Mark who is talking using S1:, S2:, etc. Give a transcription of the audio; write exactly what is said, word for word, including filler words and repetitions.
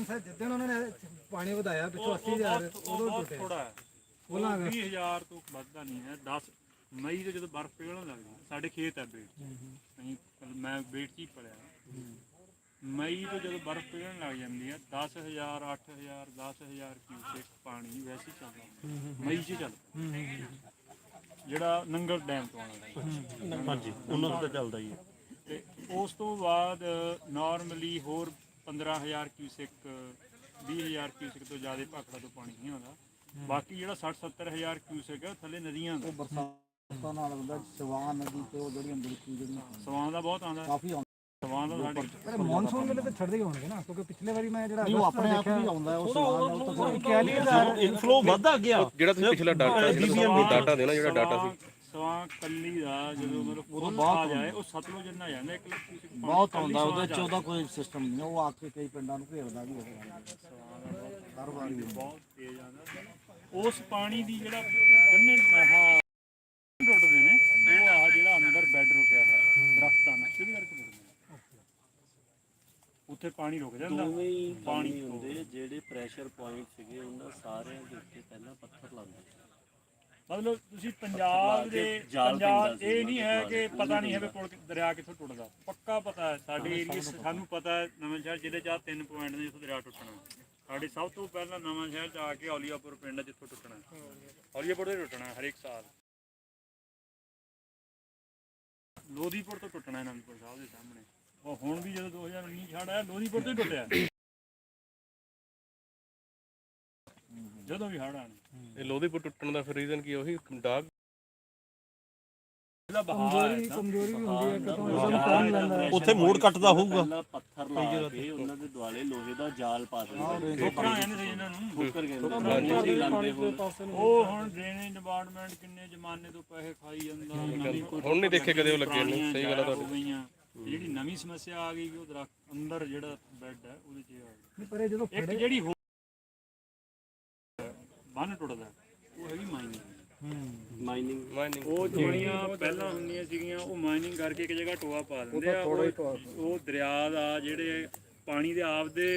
S1: Sir ਜਿੱਦਣ ਉਹਨਾਂ ਨੇ ਪਾਣੀ ਵਧਾਇਆ ਪਿੱਛੋਂ ਅੱਸੀ ਹਜ਼ਾਰ ਉਦੋਂ ਟੁੱਟਿਆ
S2: ਥੋੜਾ ਹੈ ਉਹ ਵੀਹ ਹਜ਼ਾਰ ਤੋਂ ਵੱਧਦਾ ਨਹੀਂ ਹੈ। ਦਸ ਮਈ ਤੋਂ ਜਦੋਂ ਬਰਫ਼ ਪਿਘਲਣ ਲੱਗਦੀ ਸਾਡੇ ਖੇਤ ਹੈ ਬੇਟ ਅਸੀਂ ਮੈਂ ਬੇਟ 'ਚ ਹੀ ਪੜਿਆ ਮਈ ਤੋਂ ਜਦੋਂ ਬਰਫ਼ ਪਿਘਲਣ ਲੱਗ ਜਾਂਦੀ ਹੈ ਦਸ ਹਜ਼ਾਰ ਅੱਠ ਹਜ਼ਾਰ ਦਸ ਹਜ਼ਾਰ ਕਿਊਸੈਕ ਪਾਣੀ ਵੈਸੇ ਚੱਲਦਾ ਮਈ 'ਚ ਚੱਲਦਾ ਜਿਹੜਾ ਨੰਗਲ ਡੈਮ ਤੋਂ ਆਉਣਾ
S3: ਹਾਂਜੀ ਉਹਨਾਂ ਦਾ ਤਾਂ ਚੱਲਦਾ ਹੀ ਹੈ।
S2: ਤੇ ਉਸ ਤੋਂ ਬਾਅਦ ਨਾਰਮਲੀ ਹੋਰ ਪੰਦਰਾਂ ਹਜ਼ਾਰ ਕਿਊਸੈਕ ਵੀਹ ਹਜ਼ਾਰ ਕਿਊਸੈਕ ਤੋਂ ਜ਼ਿਆਦਾ ਭਾਖੜਾ ਤੋਂ ਪਾਣੀ ਨਹੀਂ ਆਉਂਦਾ। ਬਾਕੀ ਜਿਹੜਾ ਸੱਠ ਸੱਤਰ ਹਜ਼ਾਰ ਕਿਊਸੈਕ ਹੈ ਥੱਲੇ ਨਦੀਆਂ ਦਾ
S4: ਬਰਸਾਤਾਂ ਨਾਲ ਹੁੰਦਾ ਸਵਾਨ ਨਦੀ ਤੇ ਉਹ ਜਿਹੜੀਆਂ ਬਿਲਕੁਲ ਜਿਹੜੀਆਂ
S2: ਸਵਾਨ ਦਾ ਬਹੁਤ ਆਉਂਦਾ
S4: ਕਾਫੀ ਆਉਂਦਾ
S2: ਸਵਾਨ ਦਾ ਸਾਡੀ
S1: ਪਰ ਮੌਨਸੂਨ ਵੇਲੇ ਤਾਂ ਛੱਡਦੇ ਹੀ ਹੋਣਗੇ ਨਾ ਕਿਉਂਕਿ ਪਿਛਲੇ ਵਾਰੀ ਮੈਂ ਜਿਹੜਾ
S4: ਉਹ ਆਪਣੇ ਆਪ ਹੀ ਆਉਂਦਾ ਉਹ ਸਵਾਨ ਨਾਲ ਤਾਂ
S1: ਇਕਤਾਲੀ ਹਜ਼ਾਰ
S3: ਇਨਫਲੋ ਵੱਧਦਾ ਗਿਆ
S5: ਜਿਹੜਾ ਤੁਸੀਂ ਪਿਛਲਾ ਡਾਟਾ ਜਿਹੜਾ ਡਾਟਾ ਦੇਣਾ ਜਿਹੜਾ ਡਾਟਾ ਸੀ
S2: ਸਵਾਂ ਕੱਲੀ ਦਾ ਜਦੋਂ ਮਤਲਬ ਫੁੱਲ ਆ ਜਾਏ ਉਹ ਸਤਲੁਜ ਜਿੰਨਾ ਜਾਂਦਾ ਇੱਕ ਲੱਖ ਕਿਊਸੈਕ ਪਾਣੀ
S4: ਬਹੁਤ ਆਉਂਦਾ ਉਹਦੇ ਚ ਉਹਦਾ ਕੋਈ ਸਿਸਟਮ ਨਹੀਂ ਉਹ ਆ ਕੇ ਕਈ ਪਿੰਡਾਂ ਨੂੰ ਘੇਰਦਾ ਵੀ ਹੋਵੇਗਾ ਹਰ ਵਾਰੀ
S2: ਬਹੁਤ ਤੇਜ਼ ਆਉਂਦਾ ਉਸ ਪਾਣੀ ਦੀ ਜਿਹੜਾ ਗੰਨੇ ਆਹ ਟੁੱਟਦੇ ਨੇ ਉਹ ਆਹ ਜਿਹੜਾ ਅੰਦਰ ਬੈੱਡ ਰੁਕਿਆ ਹੈ ਦਰਖਤਾਂ ਨਾਲ ਸਿੱਧੇ ਕਰਕੇ ਟੁੱਟਦੇ ਨੇ ਉੱਥੇ ਪਾਣੀ ਰੁਕ ਜਾਂਦਾ
S3: ਪਾਣੀ ਹੁੰਦੇ ਜਿਹੜੇ ਪ੍ਰੈਸ਼ਰ ਪੁਆਇੰਟ ਸੀਗੇ ਉਹਨਾਂ ਸਾਰਿਆਂ ਦੇ ਉੱਤੇ ਪਹਿਲਾਂ ਪੱਥਰ ਲਾਉਂਦੇ
S2: ਮਤਲਬ ਤੁਸੀਂ ਪੰਜਾਬ ਦੇ ਪੰਜਾਬ ਇਹ ਨਹੀਂ ਹੈ ਕਿ ਪਤਾ ਨਹੀਂ ਹੈ ਵੀ ਪੁਲ ਦਰਿਆ ਕਿੱਥੋਂ ਟੁੱਟਦਾ ਪੱਕਾ ਪਤਾ ਹੈ ਸਾਡੇ ਏਰੀਏ ਸਾਨੂੰ ਪਤਾ ਹੈ ਨਵਾਂ ਸ਼ਹਿਰ ਜ਼ਿਲ੍ਹੇ 'ਚ ਤਿੰਨ ਪੁਆਇੰਟ ਨੇ ਜਿੱਥੋਂ ਦਰਿਆ ਟੁੱਟਣਾ ਸਾਡੇ ਸਭ ਤੋਂ ਪਹਿਲਾਂ ਨਵਾਂ ਸ਼ਹਿਰ 'ਚ ਆ ਕੇ ਔਲੀਆਪੁਰ ਪਿੰਡ ਜਿੱਥੋਂ ਟੁੱਟਣਾ ਔਲੀਆਪੁਰ ਤੋਂ ਟੁੱਟਣਾ ਹਰੇਕ ਸਾਲ ਲੋਧੀਪੁਰ ਤੋਂ ਟੁੱਟਣਾ ਅਨੰਦਪੁਰ ਸਾਹਿਬ ਦੇ ਸਾਹਮਣੇ ਉਹ ਹੁਣ ਵੀ ਜਦੋਂ ਦੋ ਹਜ਼ਾਰ ਉੱਨੀ ਛੜ ਆਇਆ ਲੋਧੀਪੁਰ ਤੋਂ ਹੀ ਟੁੱਟਿਆ ਜਦੋਂ ਵੀ ਹੜ ਆਣੇ
S5: ਇਹ ਲੋਧੀਪੁਰ ਟੁੱਟਣ ਦਾ ਫਿਰ ਰੀਜ਼ਨ ਕੀ ਉਹੀ ਡਾਗ
S2: ਇਹਦਾ ਬਹਾਅ ਹੈ
S1: ਕਮਜ਼ੋਰੀ ਵੀ ਹੁੰਦੀ ਹੈ ਕਿਤੋਂ ਪਾਣੀ ਲੈਂਦਾ
S3: ਉੱਥੇ ਮੋੜ ਕੱਟਦਾ ਹੋਊਗਾ
S6: ਪਹਿਲਾਂ ਪੱਥਰ ਲਾ ਕੇ ਉਹਨਾਂ ਦੇ ਦੁਆਲੇ ਲੋਹੇ ਦਾ ਜਾਲ ਪਾ ਦਿੰਦੇ
S2: ਠੋਕਰਾਂ ਕਹਿੰਦੇ ਸੀ ਇਹਨਾਂ ਨੂੰ
S6: ਠੋਕਰ ਕਹਿੰਦੇ ਲਾਉਂਦੇ ਹੁਣ
S2: ਉਹ ਹੁਣ ਡਰੇਨੇਜ ਡਿਪਾਰਟਮੈਂਟ ਕਿੰਨੇ ਜ਼ਮਾਨੇ ਤੋਂ ਪੈਸੇ ਖਾਈ ਜਾਂਦਾ ਨਵੀਂ ਕੋਈ
S5: ਹੁਣ ਨਹੀਂ ਦੇਖੇ ਕਦੇ ਉਹ ਲੱਗੇ ਨੇ ਸਹੀ ਗੱਲ ਆ
S2: ਹੋ
S5: ਤੁਹਾਡੀ
S2: ਗਈਆਂ ਜਿਹੜੀ ਨਵੀਂ ਸਮੱਸਿਆ ਆ ਗਈ ਕਿ ਉਹ ਦਰਖਤ ਅੰਦਰ ਜਿਹੜਾ ਬੈੱਡ ਹੈ ਉਹਦੇ 'ਚ ਆ ਗਈ
S1: ਨਹੀਂ ਪਰ ਇਹ ਜਦੋਂ
S2: ਇੱਕ ਜਿਹੜੀ ਹੋਰ ਬੰਨ ਟੁੱਟਦਾ ਉਹ ਹੈਗੀ ਮਾਈਨਿੰਗ
S6: ਮਾਈਨਿੰਗ
S5: ਮਾਈਨਿੰਗ
S2: ਉਹ ਜਿਹੜੀਆਂ ਪਹਿਲਾਂ ਹੁੰਦੀਆਂ ਸੀਗੀਆਂ ਉਹ ਮਾਈਨਿੰਗ ਕਰਕੇ ਇੱਕ ਜਗ੍ਹਾ ਟੋਆ ਪਾ ਦਿੰਦੇ ਆ ਉਹ ਉਹ ਦਰਿਆ ਦਾ ਜਿਹੜੇ ਪਾਣੀ ਦੇ ਆਪ ਦੇ